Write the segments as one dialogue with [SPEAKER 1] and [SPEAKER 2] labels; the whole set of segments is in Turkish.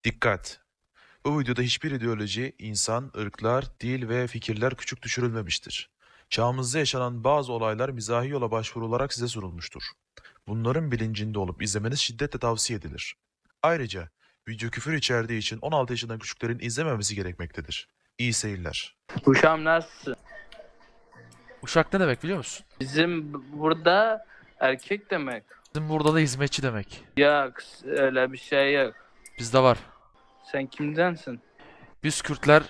[SPEAKER 1] Dikkat! Bu videoda hiçbir ideoloji, insan, ırklar, dil ve fikirler küçük düşürülmemiştir. Çağımızda yaşanan bazı olaylar mizahi yola başvurularak size sunulmuştur. Bunların bilincinde olup izlemeniz şiddetle tavsiye edilir. Ayrıca video küfür içerdiği için 16 yaşından küçüklerin izlememesi gerekmektedir. İyi seyirler.
[SPEAKER 2] Uşağım nasılsın?
[SPEAKER 3] Uşak ne demek biliyor musun?
[SPEAKER 2] Bizim burada erkek demek.
[SPEAKER 3] Bizim burada da hizmetçi demek.
[SPEAKER 2] Yok öyle bir şey yok.
[SPEAKER 3] Bizde var.
[SPEAKER 2] Sen kimdensin?
[SPEAKER 3] Biz Kürtler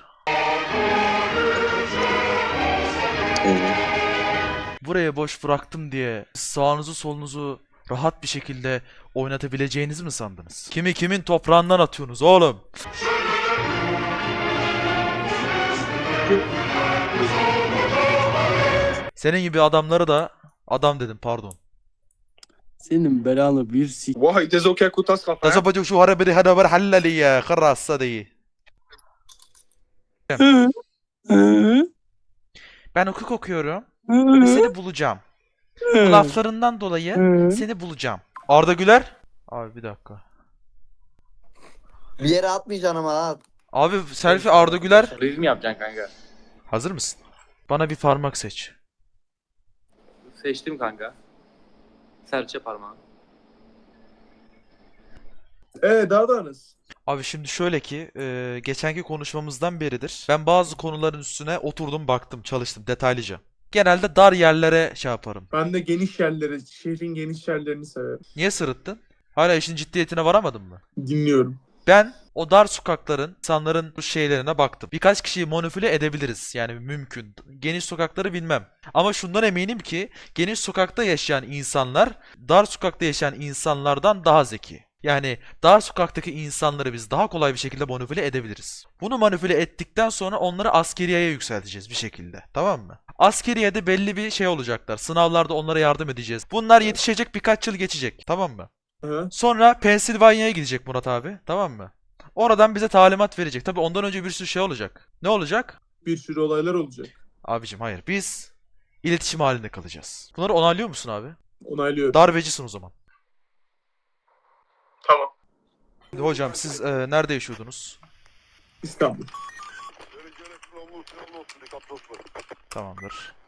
[SPEAKER 3] buraya boş bıraktım diye sağınızı solunuzu rahat bir şekilde oynatabileceğinizi mi sandınız? Kimi kimin toprağından atıyorsunuz oğlum? Senin gibi adamları da adam dedim pardon.
[SPEAKER 4] Senin belanı bir sik.
[SPEAKER 5] واحد تزوكا كنت اسقط
[SPEAKER 3] Tasabacı şu harabiri hadabar hallali ya kırrassa değil. Ben hukuk okuyorum ve seni bulacağım. Bu laflarından dolayı seni bulacağım. Arda Güler. Abi bir dakika.
[SPEAKER 6] Bir yere atmayacaksın ama ha.
[SPEAKER 3] Abi selfie Arda Güler.
[SPEAKER 2] Real mi yapacaksın kanka?
[SPEAKER 3] Hazır mısın? Bana bir parmak seç.
[SPEAKER 7] Seçtim kanka. Serçe parmağı.
[SPEAKER 5] daha da nasıl?
[SPEAKER 3] Abi şimdi şöyle ki geçenki konuşmamızdan beridir. Ben bazı konuların üstüne oturdum baktım çalıştım detaylıca. Genelde dar yerlere şey yaparım.
[SPEAKER 5] Ben de geniş yerleri, şehrin geniş yerlerini severim.
[SPEAKER 3] Niye sırıttın? Hala işin ciddiyetine varamadın mı?
[SPEAKER 5] Dinliyorum.
[SPEAKER 3] Ben o dar sokakların, insanların bu şeylerine baktım. Birkaç kişiyi manipüle edebiliriz. Yani mümkün. Geniş sokakları bilmem. Ama şundan eminim ki geniş sokakta yaşayan insanlar dar sokakta yaşayan insanlardan daha zeki. Yani dar sokaktaki insanları biz daha kolay bir şekilde manipüle edebiliriz. Bunu manipüle ettikten sonra onları askeriyeye yükselteceğiz bir şekilde. Tamam mı? Askeriyede belli bir şey olacaklar. Sınavlarda onlara yardım edeceğiz. Bunlar yetişecek, birkaç yıl geçecek. Tamam mı?
[SPEAKER 5] Hı.
[SPEAKER 3] Sonra Pensilvanya'ya gidecek Murat abi. Tamam mı? Oradan bize talimat verecek. Tabii ondan önce bir sürü şey olacak. Ne olacak?
[SPEAKER 5] Bir sürü olaylar olacak.
[SPEAKER 3] Abicim hayır. Biz iletişim halinde kalacağız. Bunları onaylıyor musun abi?
[SPEAKER 5] Onaylıyorum.
[SPEAKER 3] Darbecisin o zaman.
[SPEAKER 5] Tamam.
[SPEAKER 3] Şimdi hocam siz nerede yaşıyordunuz?
[SPEAKER 5] İstanbul.
[SPEAKER 3] Tamamdır.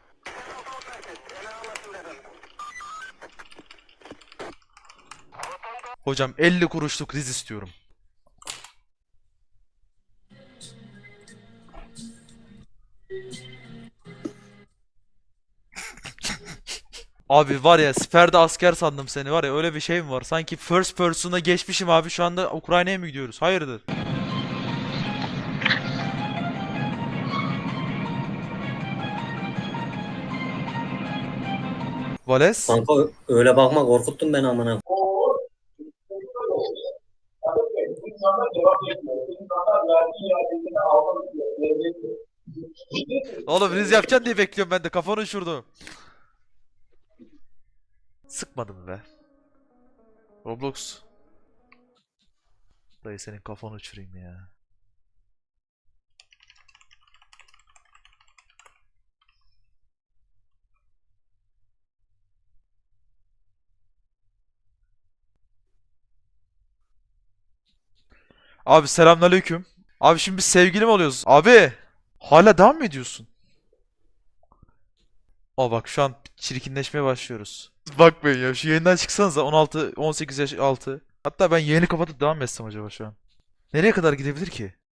[SPEAKER 3] Hocam 50 kuruşluk riz istiyorum. Abi var ya siperde asker sandım seni var ya öyle bir şey mi var? Sanki first person'a geçmişim abi şu anda Ukrayna'ya mı gidiyoruz? Hayırdır? Vales?
[SPEAKER 8] Kanka öyle bakma korkuttun beni amına.
[SPEAKER 3] Oğlum riz yapacaksın diye bekliyorum ben de kafanı uçurdu. Sıkmadım be. Roblox. Dayı senin kafanı uçurayım ya. Abi selamünaleyküm. Abi şimdi biz sevgili mi oluyoruz? Abi hala devam mı ediyorsun? Aa bak şu an çirkinleşmeye başlıyoruz. Bakmayın ya şu yayından çıksanıza 16 18 yaş altı. Hatta ben yayını kapatıp devam mı etsem acaba şu an? Nereye kadar gidebilir ki?